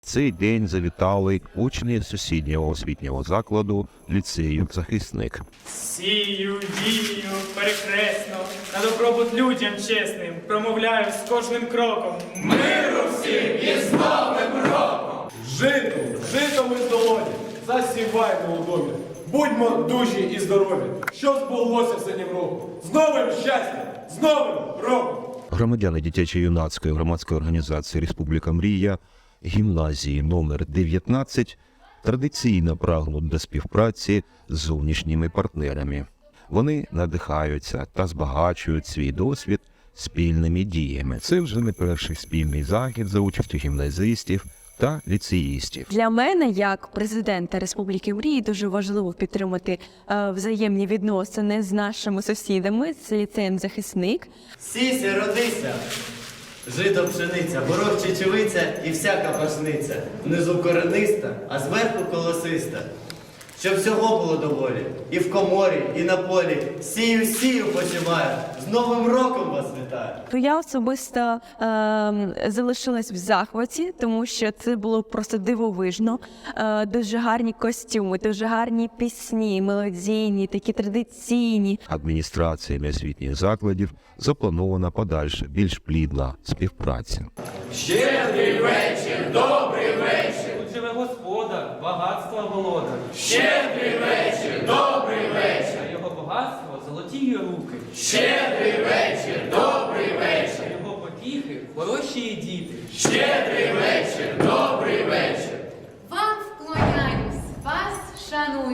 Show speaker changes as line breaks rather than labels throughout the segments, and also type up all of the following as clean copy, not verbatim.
цей день завітали учні сусіднього освітнього закладу ліцею «Захисник».
Сію, дію, перехресно, на добробут людям чесним, промовляю з кожним кроком.
Миру всім і з Новим роком!
Жито ми з долоні, засіваймо у домі. Будьмо дужі і здорові, що збулося в синім року. З новим щастям, з Новим роком!
Громадяни дитячо-юнацької громадської організації «Республіка Мрія» гімназії номер 19 традиційно прагнуть до співпраці з зовнішніми партнерами. Вони надихаються та збагачують свій досвід спільними діями. Це вже не перший спільний захід за участю гімназистів та ліцеїстів.
Для мене, як президента Республіки Мрії, дуже важливо підтримати взаємні відносини з нашими сусідами, з ліцеєм «Захисник».
Сійся, родися, жито пшениця, горох чечевиця і всяка пашниця. Внизу корениста, а зверху колосиста. Щоб всього було доволі, і в коморі, і на полі. Сію почимаю, з Новим роком вас вітаю.
То я особисто залишилась в захваті, тому що це було просто дивовижно. Дуже гарні костюми, дуже гарні пісні, мелодійні, такі традиційні.
Адміністраціями освітніх закладів запланована подальша, більш плідна співпраця.
Щедрий вечір, добрий вечір!
Тут живе господар, багатства володар.
Щедрий вечір, добрий вечір!
А його багатство – золоті руки.
Щедрий вечір, добрий вечір!
А його потіхи – хороші діти.
Щедрий вечір, добрий вечір!
Вам вклоняюсь, вас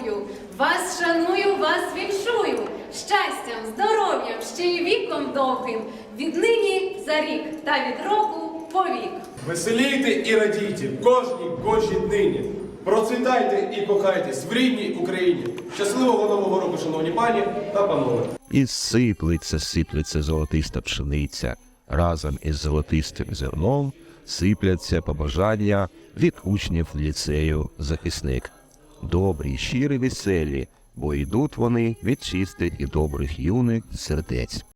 шаную, вас віншую. Щастям, здоров'ям, ще й віком довгим, віднині за рік та від року по вік.
Веселійте і радійте в кожній днині. Процвітайте і кохайтесь в рідній Україні. Щасливого Нового року, шановні пані та панове.
І сиплеться золотиста пшениця. Разом із золотистим зерном сипляться побажання від учнів ліцею «Захисник». Добрі, щирі, веселі, бо йдуть вони від чистих і добрих юних сердець.